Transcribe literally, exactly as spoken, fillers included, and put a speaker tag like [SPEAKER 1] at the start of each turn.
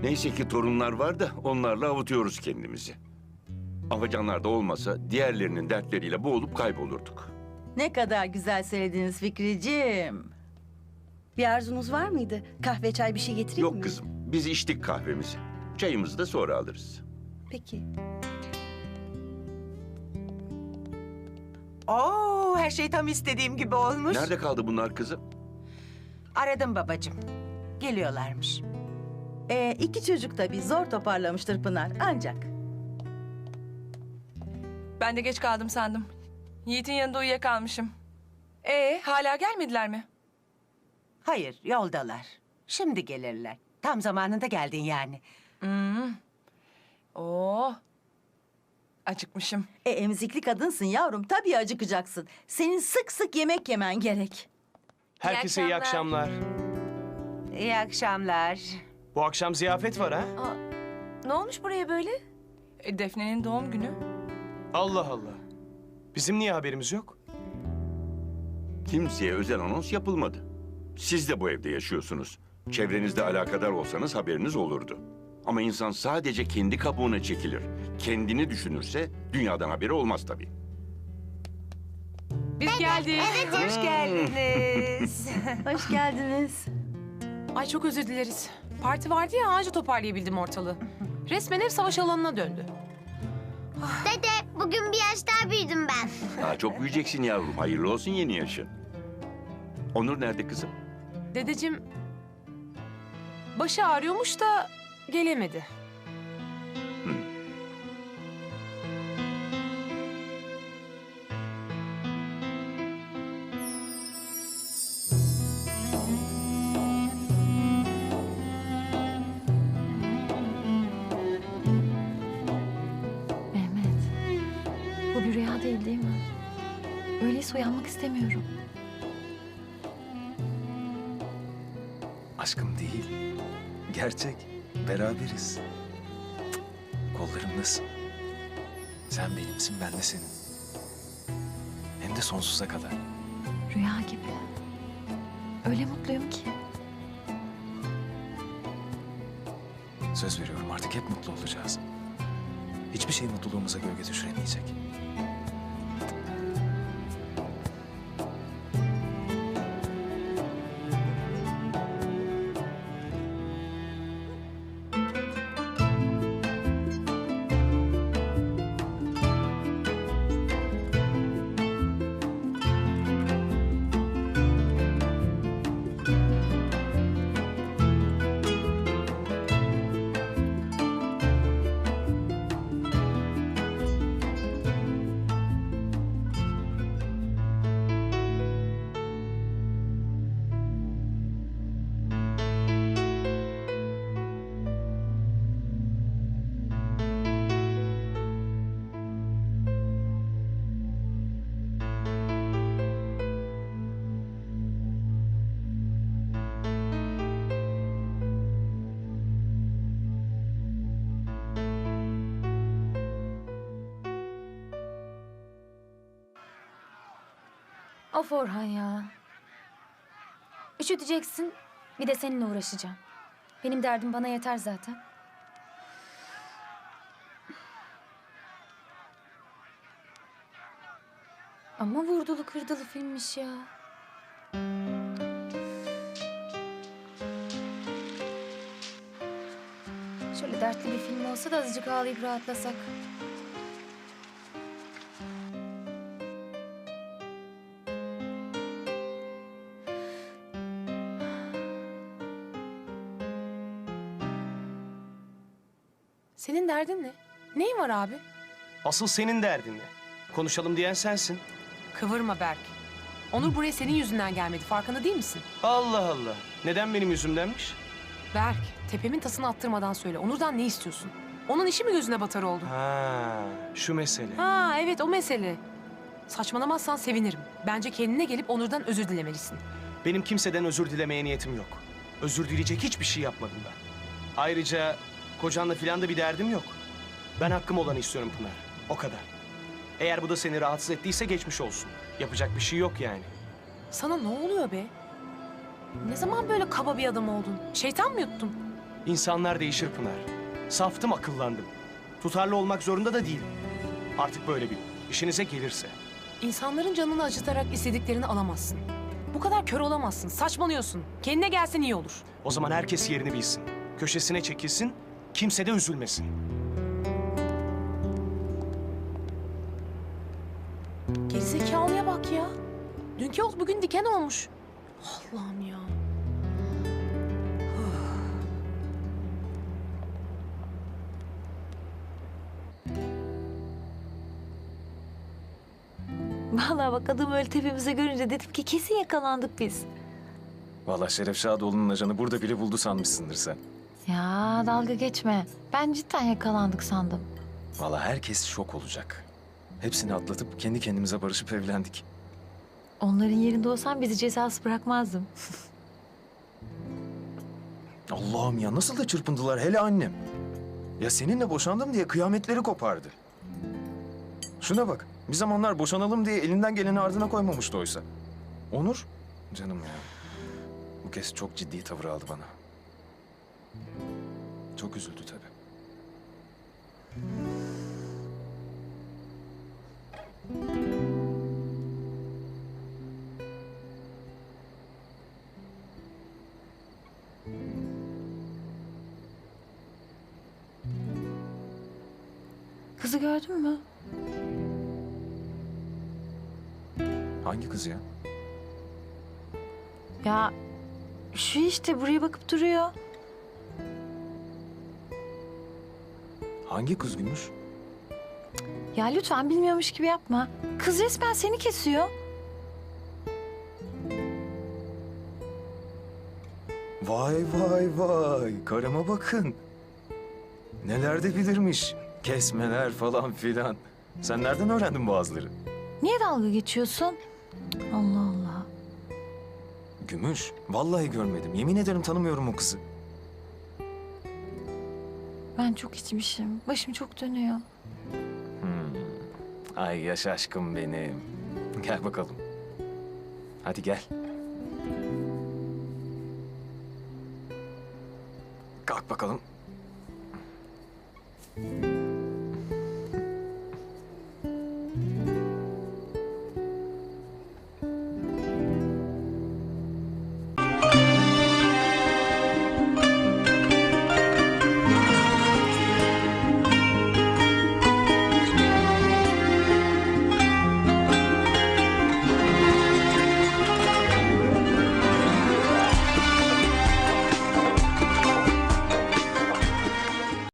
[SPEAKER 1] Neyse ki torunlar var da onlarla avutuyoruz kendimizi. Afacanlar da olmasa diğerlerinin dertleriyle boğulup kaybolurduk.
[SPEAKER 2] Ne kadar güzel söylediniz Fikriciğim.
[SPEAKER 3] Bir arzunuz var mıydı? Kahve, çay bir şey getireyim mi?
[SPEAKER 1] Yok kızım, biz içtik kahvemizi. Çayımızı da sonra alırız.
[SPEAKER 3] Peki.
[SPEAKER 4] Oo, her şey tam istediğim gibi olmuş.
[SPEAKER 1] Nerede kaldı bunlar kızım?
[SPEAKER 4] Aradım babacığım. Geliyorlarmış.
[SPEAKER 2] Ee, iki çocuk tabii zor toparlamıştır Pınar ancak.
[SPEAKER 5] Ben de geç kaldım sandım. Yiğit'in yanında uyuyakalmışım. Ee, hala gelmediler mi?
[SPEAKER 4] Hayır, yoldalar. Şimdi gelirler. Tam zamanında geldin yani.
[SPEAKER 5] Hmm. Oo. Acıkmışım.
[SPEAKER 2] E, emzikli kadınsın yavrum tabii acıkacaksın. Senin sık sık yemek yemen gerek.
[SPEAKER 6] Herkese iyi akşamlar.
[SPEAKER 4] İyi akşamlar.
[SPEAKER 6] Bu akşam ziyafet var ha?
[SPEAKER 5] Ne olmuş buraya böyle? E, Defne'nin doğum günü.
[SPEAKER 6] Allah Allah. Bizim niye haberimiz yok?
[SPEAKER 1] Kimseye özel anons yapılmadı. Siz de bu evde yaşıyorsunuz. Çevrenizde alakadar olsanız haberiniz olurdu. Ama insan sadece kendi kabuğuna çekilir. Kendini düşünürse dünyadan haberi olmaz tabii.
[SPEAKER 5] Biz geldik.
[SPEAKER 4] Hoş geldiniz.
[SPEAKER 2] Hoş geldiniz.
[SPEAKER 7] Ay çok özür dileriz. Parti vardı ya anca toparlayabildim ortalığı. Resmen ev savaş alanına döndü.
[SPEAKER 8] Dede, bugün bir yaş daha büyüdüm ben.
[SPEAKER 1] Daha çok büyüyeceksin yavrum. Hayırlı olsun yeni yaşın. Onur nerede kızım?
[SPEAKER 7] Dedeciğim başı ağrıyormuş da gelemedi.
[SPEAKER 9] Mehmet, bu bir rüya değil değil mi? Öyleyse uyanmak istemiyorum.
[SPEAKER 10] Aşkım değil. Gerçek. Beraberiz. Cık, kollarımdasın. Sen benimsin, ben de senin. Hem de sonsuza kadar.
[SPEAKER 9] Rüya gibi. Öyle mutluyum ki.
[SPEAKER 10] Söz veriyorum artık hep mutlu olacağız. Hiçbir şey mutluluğumuza gölge düşüremeyecek.
[SPEAKER 9] Of Orhan ya. Üşüteceksin, bir de seninle uğraşacağım. Benim derdim bana yeter zaten. Ama vurdulu kırdılı filmmiş ya. Şöyle dertli bir film olsa da azıcık ağlayıp rahatlasak.
[SPEAKER 7] Senin derdin ne? Neyin var abi?
[SPEAKER 6] Asıl senin derdin ne? Konuşalım diyen sensin.
[SPEAKER 7] Kıvırma Berk. Onur buraya senin yüzünden gelmedi. Farkında değil misin?
[SPEAKER 6] Allah Allah. Neden benim yüzümdenmiş?
[SPEAKER 7] Berk, tepemin tasını attırmadan söyle. Onur'dan ne istiyorsun? Onun işi mi gözüne batar oldu?
[SPEAKER 6] Ha, şu mesele.
[SPEAKER 7] Ha evet o mesele. Saçmalamazsan sevinirim. Bence kendine gelip Onur'dan özür dilemelisin.
[SPEAKER 6] Benim kimseden özür dilemeye niyetim yok. Özür dileyecek hiçbir şey yapmadım ben. Ayrıca kocanla filan da bir derdim yok. Ben hakkım olanı istiyorum Pınar. O kadar. Eğer bu da seni rahatsız ettiyse geçmiş olsun. Yapacak bir şey yok yani.
[SPEAKER 7] Sana ne oluyor be? Ne zaman böyle kaba bir adam oldun? Şeytan mı yuttun?
[SPEAKER 6] İnsanlar değişir Pınar. Saftım, akıllandım. Tutarlı olmak zorunda da değilim. Artık böyle bilin. İşinize gelirse.
[SPEAKER 7] İnsanların canını acıtarak istediklerini alamazsın. Bu kadar kör olamazsın. Saçmalıyorsun. Kendine gelsen iyi olur.
[SPEAKER 6] O zaman herkes yerini bilsin. Köşesine çekilsin, kimse de üzülmesin.
[SPEAKER 7] Gerizekalıya bak ya. Dünkü ot bugün diken olmuş. Allah'ım ya.
[SPEAKER 2] Vallahi bak adam öyle tepemize görünce dedim ki kesin yakalandık biz.
[SPEAKER 10] Vallahi Şeref Şadoğlu'nun ajanı burada bile buldu sanmışsındır sen.
[SPEAKER 9] Ya dalga geçme. Ben cidden yakalandık sandım.
[SPEAKER 10] Vallahi herkes şok olacak. Hepsini atlatıp kendi kendimize barışıp evlendik.
[SPEAKER 9] Onların yerinde olsam bizi cezası bırakmazdım.
[SPEAKER 10] Allah'ım ya nasıl da çırpındılar hele annem. Ya seninle boşandım diye kıyametleri kopardı. Şuna bak. Bir zamanlar boşanalım diye elinden geleni ardına koymamıştı oysa. Onur, canım ya. Bu kez çok ciddi tavır aldı bana. Çok üzüldü tabii.
[SPEAKER 9] Kızı gördün mü?
[SPEAKER 10] Hangi kız ya?
[SPEAKER 9] Ya şu işte buraya bakıp duruyor.
[SPEAKER 10] Hangi kız Gümüş?
[SPEAKER 9] Ya lütfen bilmiyormuş gibi yapma. Kız resmen seni kesiyor.
[SPEAKER 10] Vay vay vay. Karıma bakın. Neler de bilirmiş. Kesmeler falan filan. Sen nereden öğrendin bu azları?
[SPEAKER 9] Niye dalga geçiyorsun? Allah Allah.
[SPEAKER 10] Gümüş, vallahi görmedim. Yemin ederim tanımıyorum o kızı.
[SPEAKER 9] Ben çok içmişim. Başım çok dönüyor.
[SPEAKER 10] Hmm. Ay yaş aşkım benim. Gel bakalım. Hadi gel. Kalk bakalım.